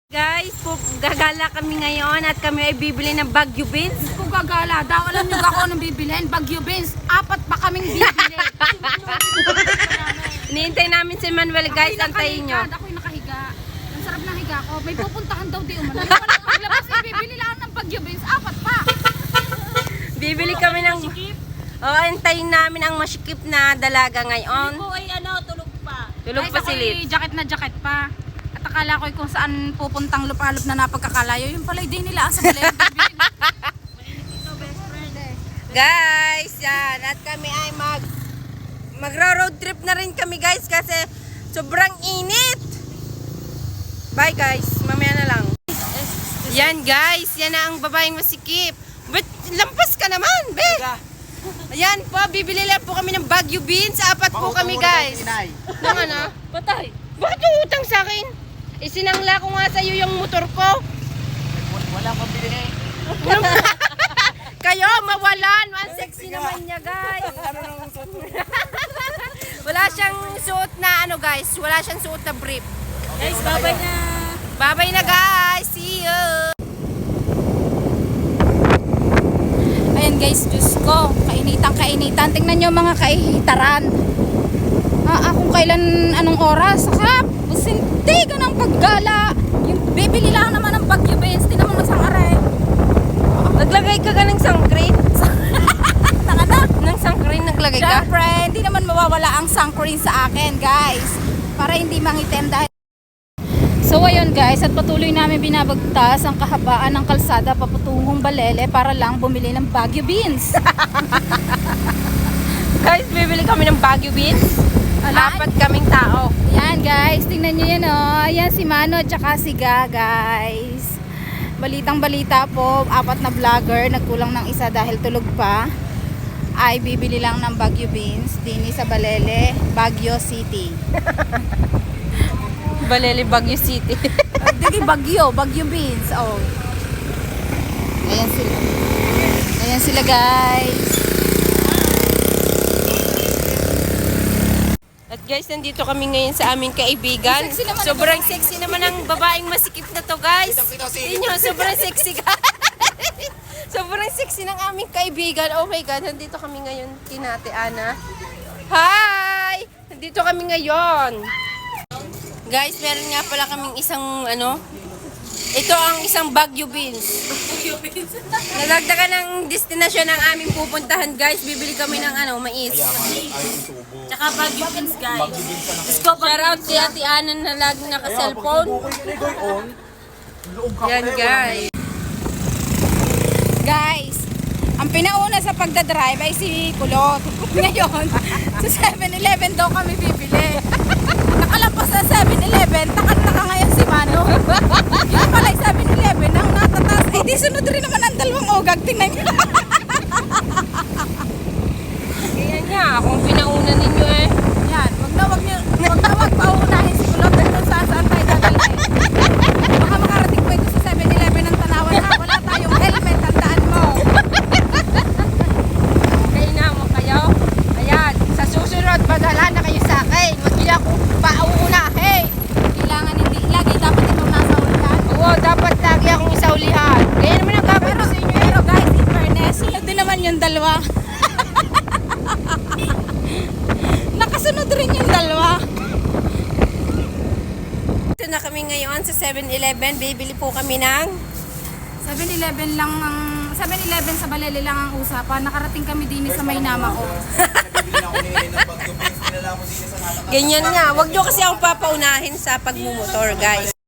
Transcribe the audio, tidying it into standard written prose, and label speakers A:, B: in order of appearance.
A: Guys, gagala kami ngayon at kami ay bibili ng Baguio beans.
B: Kung gagala daw, alam niyo ako nang bibilhin. Baguio beans, 4 pa kaming bibili.
A: Hinihintay namin si Manuel, guys, antayin nyo.
B: Ako'y nakahiga. Ang sarap ng higa ko. May pupuntahan daw di umano. Walang maglabas, bibili lang ng Baguio beans, 4 pa.
A: Bibili kami ng... antayin namin ang masikip na dalaga ngayon.
C: Po ay tulog pa.
A: Tulog
B: Guys,
A: pa si
B: ako'y
A: Lit.
B: jacket na jacket pa. At akala ko kung saan pupuntang lupalop na napagkakalayo. Yung pala di nila sa balay.
A: Guys, yan. At kami ay magro-road trip na rin kami, guys, kasi sobrang init. Bye, guys. Mamaya na lang. Yan, guys. Yan na ang babaeng masikip. But lampas ka naman, be. Ayan po, bibili lang po kami ng Baguio beans. 4 po kami, guys. Nang ano?
C: Patay.
A: Bakit yung utang sa akin? Isinangla ko nga sa'yo yung motor ko.
C: Wala pang bili.
A: Kayo, mawalan. Ang sexy naman niya, guys. Wala siyang suot na ano, guys. Wala siyang suot na brief.
C: Guys, babay na.
A: Bye-bye na, guys. See you.
B: Ayan guys, Diyos ko. Kainitan. Tingnan nyo mga kaihitaran. Kung kailan, anong oras. Saka, busintiga ng paggala. Yung bibili lang naman ng Baguio beans. Di naman masang aray.
A: Naglagay ka ng sunscreen?
B: Nanganak.
A: Ng sunscreen naglagay ka?
B: Siyempre, hindi naman mawawala ang sunscreen sa akin, guys. Para hindi mangitim dahil... So ayun guys, at patuloy namin binabagtas ang kahabaan ng kalsada papatungong Balele para lang bumili ng Baguio beans.
A: Guys, bibili kami ng Baguio beans. 4 kaming tao.
B: Yan guys, tingnan nyo yan oh. Yan si Mano at saka si Ga, guys. Balitang balita po, 4 na vlogger, nagkulang ng isa dahil tulog pa, ay bibili lang ng Baguio beans dini sa Balele, Baguio City.
A: Balele, Baguio City.
B: Dili Baguio beans. Oh. Ayan sila. Ayan sila guys.
A: At guys, nandito kami ngayon sa aming kaibigan.
B: Sexy naman
A: Sobrang sexy naman ang babaeng masikip na to, guys. Tingnan nyo, sobrang sexy, guys. Sobrang sexy ng aming kaibigan. Oh my God, nandito kami ngayon, Kinate Ana. Hi! Nandito kami ngayon. Guys, meron nga pala kaming isang, ito ang isang Baguio beans. Nalagdagan ng destinasyon ng aming pupuntahan, guys. Bibili kami ng mais.
C: Tsaka Baguio beans, guys.
A: Shout out kay Ate Ana na laging naka-cellphone. Yan, guys.
B: Guys, ang pinauna sa pagdadrive ay si Kulot. Ngayon, sa 7-Eleven daw kami bibili. Nakalampas sa 7-Eleven, takot-taka ngayon si Mano. Yung pala 7-Eleven, ang natatas. Ay, di sunod rin naman ang dalawang ogag. Tingnan nyo.
A: Kaya nga, akong pinauna ninyo eh.
B: Yan, wag paunahin si Kulot kung saan tayo dadalhin. Baka makarating pa ito sa 7-Eleven ng Tanawan ha. Wala tayong helmet, tandaan mo.
A: Kaya na mo kayo. Ayan, sa susunod, badala na kayo sa akin. Huwag niyo ako pauunahin.
B: Kailangan hindi, lagi dapat itong nasa ulitan.
A: Oo, dapat lagi akong isaulihan. Kaya naman ang gagawin ko sa inyo.
B: Pero guys, in fairness, sunod din naman yung dalawa. Nakasunod rin yung dalawa.
A: Ito na kami ngayon sa 7-Eleven. Bibili po kami ng
B: 7-Eleven lang ang 7-Eleven sa Balele lang ang usapan. Nakarating kami din sa Maynama ko.
A: ganyan nga. Huwag niyo kasi akong papaunahin sa pagmumotor, guys.